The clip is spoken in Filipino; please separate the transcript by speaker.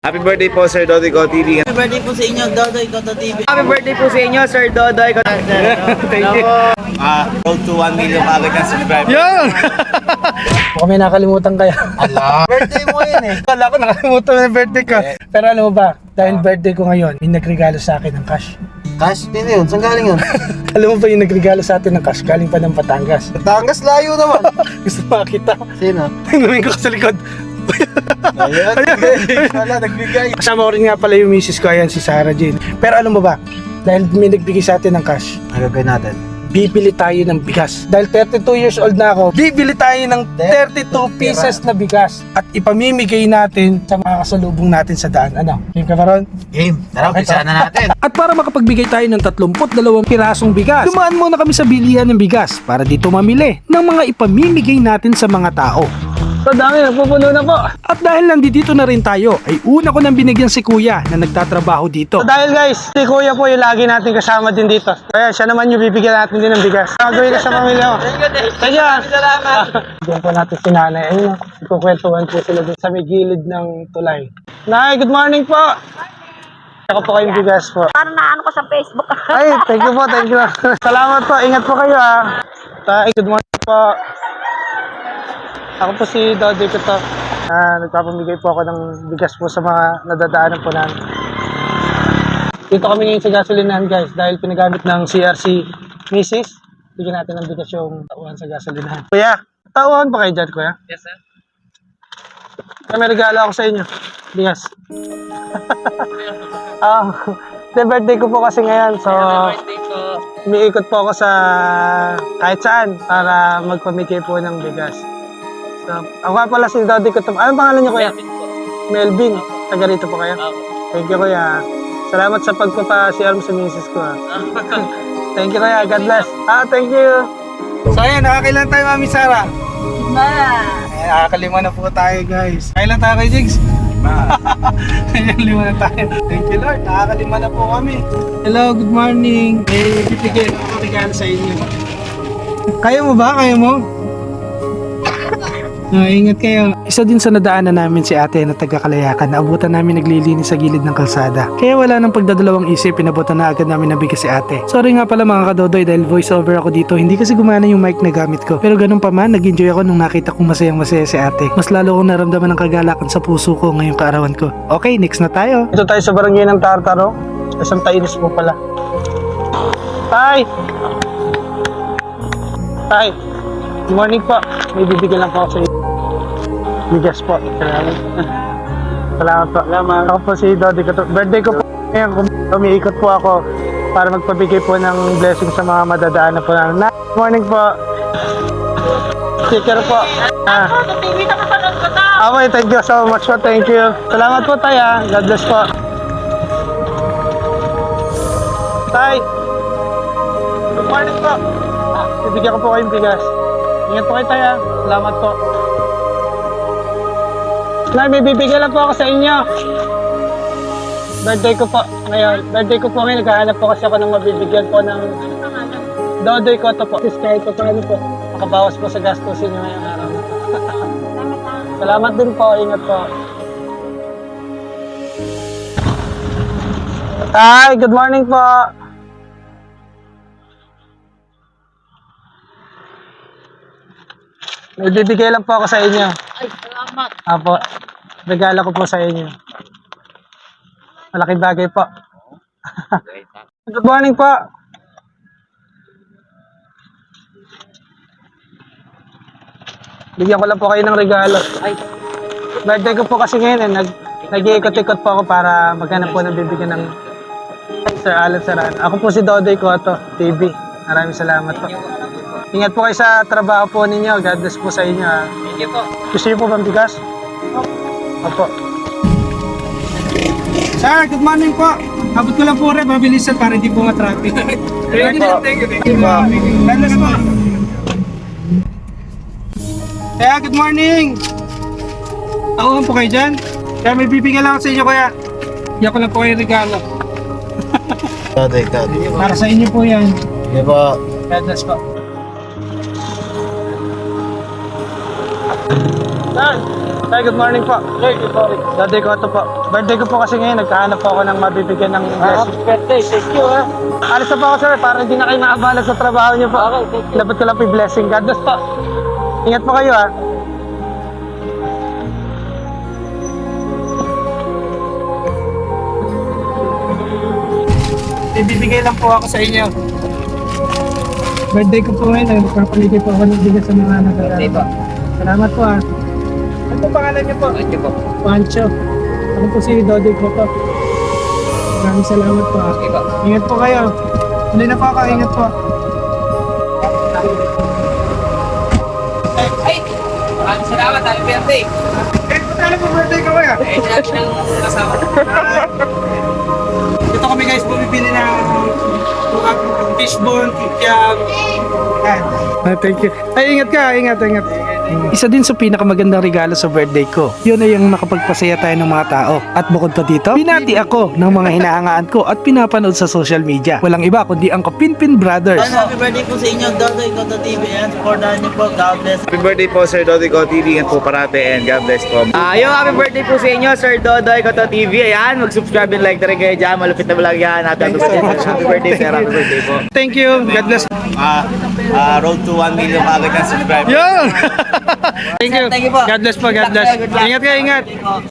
Speaker 1: Happy birthday po, Sir Dodoy Ko TV.
Speaker 2: Happy birthday po sa inyo, Dodoy Koto TV.
Speaker 3: Happy birthday po sa inyo, Sir Dodoy. Thank you.
Speaker 1: Road to 1 million kagad ng subscribers.
Speaker 3: Yan! Baka may nakalimutan kaya.
Speaker 1: Birthday mo yun eh.
Speaker 3: Wala ko nakalimutan na birthday ko. Pero alam mo ba, dahil birthday ko ngayon, may nagregalo sa akin ng cash.
Speaker 2: Cash? Sino yun? Saan galing yun?
Speaker 3: Alam mo ba yung nagregalo sa atin ng cash? Galing pa ng Batangas.
Speaker 2: Batangas layo naman.
Speaker 3: Gusto makita.
Speaker 2: Sino?
Speaker 3: Tingnan ko sa likod.
Speaker 2: Ayan, wala, nagbigay.
Speaker 3: Kasama ko rin nga pala yung misis ko, ayan, si Sarah Jane. Pero alam mo ba, dahil may nagbigay sa atin ng cash,
Speaker 2: Ano gagawin natin?
Speaker 3: bibili tayo ng bigas. Dahil 32 years old na ako, bibili tayo ng 32 pieces na bigas at ipamimigay natin sa mga kasalubong natin sa daan. Ano? Game ka pa ron?
Speaker 2: Game. Tara, umpisa na natin.
Speaker 3: At para makapagbigay tayo ng 32 pirasong bigas, dumaan muna kami sa bilihan ng bigas para dito mamili ng mga ipamimigay natin sa mga tao. So dami, napupuno na po. At dahil nandito na rin tayo, ay una ko nang binigyan si Kuya na nagtatrabaho dito. So dahil guys, si Kuya po yung lagi natin kasama din dito. Kaya siya naman yung bibigyan natin din ng bigas. Gagawin ka sa pamilya mo. Thank you. Salamat. Bigyan po natin si Nanay. Ayun, ikukwentuhan po sila dun sa may gilid ng tulay. Nay, good morning po. Ako po kayong bigas po.
Speaker 4: Parang naano ko sa Facebook.
Speaker 3: Ay, thank you po, thank you. Salamat po, ingat po kayo ah. Tay, good morning po. Ako po si Dodoy ko to. Nagpapamigay po ako ng bigas po sa mga nadadaanan po namin. Dito kami ngayon sa gasolinahan guys dahil pinagamit ng CRC Mrs. Bigyan natin ng bigas yung tauhan sa gasolinahan. Kuya, tauhan pa kayo dyan kuya? Yes sir. May regalo ako sa inyo. Bigas. Birthday ko po kasi ngayon so umiikot po ako sa kahit saan para magpamigay po ng bigas. So, ako nga pala si Dodoy ko. Anong pangalan niyo kuya? Melvin. Taga rito po kayo? Thank you kuya. Salamat sa pagpapasiyar mo sa misis ko. Thank you kuya. God bless. Thank you. So ayan, nakakailan tayo Mami Sarah? Nakakalima na po tayo guys. Kailan tayo kay Jigs? Lima na tayo. Thank you Lord. Nakakalima na po kami. Hello, good morning. May bibigyan ako regalo sa inyo. Kaya mo ba? Kaya mo? Ingat kayo. Isa din sa nadaanan namin si ate na taga Kalayakan. Naabutan namin naglilinis sa gilid ng kalsada. Kaya wala nang pagdadalawang isip, pinabutan na agad namin nabigas si ate. Sorry nga pala mga kadodoy dahil voice over ako dito. Hindi kasi gumana yung mic na gamit ko. Pero ganun pa man, nag-enjoy ako nung nakita kong masayang masaya si ate. Mas lalo kong naramdaman ng kagalakan sa puso ko ngayong kaarawan ko. Okay, next na tayo. Ito tayo sa barangay ng Tartaro. Isang Tainis po pala. Tay! Tay! Good morning po. May bibigyan lang po ako sa inyo. Bigas po. Salamat. Salamat po. Salamat. Ako po si Dodoy ko. Birthday ko po. Ngayon, umiikot po ako para magpabigay po ng blessing sa mga madadaanan po namin. Good morning po. Sticker po.
Speaker 4: Sa TV na kapanood ko to.
Speaker 3: Okay, thank you so much po. Thank you. Salamat po tayo. God bless po. Tay. Good morning po. Bibigyan ko po kayong bigas. Ingat po kayo tayo. Salamat po. Nay, may bibigyan lang po ako sa inyo. Birthday ko po ngayon. Birthday ko po ngayon. Naghahanap po kasi ako ng mabibigyan po ng Dodoy ko to po. Kahit po paano po. Makabawas po sa gastusin nyo ngayong araw na po. Salamat din po. Ingat po. Hi, good morning po. May bibigay lang po ako sa inyo.
Speaker 4: Ay, salamat.
Speaker 3: Apo, regalo ko po sa inyo. Malaking bagay po. Good morning po. Bigyan ko lang po kayo ng regalo. Ay, birthday ko po kasi ngayon nag-iikot-ikot po ako para maghanap po ng bibigyan ng Sir Alan Saran. Ako po si Dodoy Koto TV. Maraming salamat po. Ingat po kayo sa trabaho po ninyo. God bless po sa inyo.
Speaker 4: Thank you po.
Speaker 3: Gusto niyo po bang bigas? Opo. Sir, good morning po. Abot ko lang po rin, mabilisan para hindi po ma-traffic. Thank you. Thank you po. God bless po. Kaya, good morning. Ako po kayo dyan. Kaya may bibigyan lang ako sa inyo kaya. Iyak ko lang po kayo regalo.
Speaker 2: Dodoy.
Speaker 3: Para sa inyo po yan.
Speaker 2: Sige po.
Speaker 3: God bless po. Sir, Ay, good morning po. Good morning. Daddy ko ito po. Birthday ko po kasi ngayon, nagkahanap po ako ng mabibigyan ng blessing.
Speaker 4: Birthday, thank you ha.
Speaker 3: Alis na po ako sir, para hindi na kayo maabala sa trabaho niyo po.
Speaker 4: Okay, thank you.
Speaker 3: Dapat ko lang po yung blessing. God bless po. Ingat po kayo ha. Ibibigay lang po ako sa inyo. Birthday ko po ngayon, nagpapaligay po ako ng bigas sa mga nag-aaral. Salamat po ha. Ano po pangalan niyo po? Pancho po. Pancho. Ako po si Dodi ko po. Maraming salamat po ha. Ingat po kayo. Hindi na po ako, ingat po.
Speaker 5: Ay! Maraming salamat, happy birthday!
Speaker 3: Eh, paano po birthday ko kaya?
Speaker 5: Eh, lahat ng kasama.
Speaker 3: Dito kami guys, bumibili ng fishbone, kikyam. Thank you. Ay, ingat ka, ingat. Isa din sa pinakamagandang regalo sa birthday ko. Yun ay yung nakapagpasaya tayo ng mga tao. At bukod pa dito, binati ako ng mga hinahangaan ko at pinapanood sa social media. Walang iba kundi ang Kapinpin Brothers.
Speaker 6: Happy birthday po sa inyo, Dodoy Koto TV, and supportahan niyo po. God bless.
Speaker 1: Happy birthday po Sir Dodi Ko TV. Ingat po parate and God bless po.
Speaker 6: Yung happy birthday po sa inyo, Sir Dodoy Koto TV. Ayan, mag-subscribe and like na rin kayo dyan. Malupit na vlog yan. Happy birthday, sir. Happy birthday po.
Speaker 3: Thank you. God bless.
Speaker 1: Road to 1 million agad ng subscribers.
Speaker 3: Yun! Thank you.
Speaker 6: Thank you po.
Speaker 3: God bless po. God bless. Ingat kayo, ingat.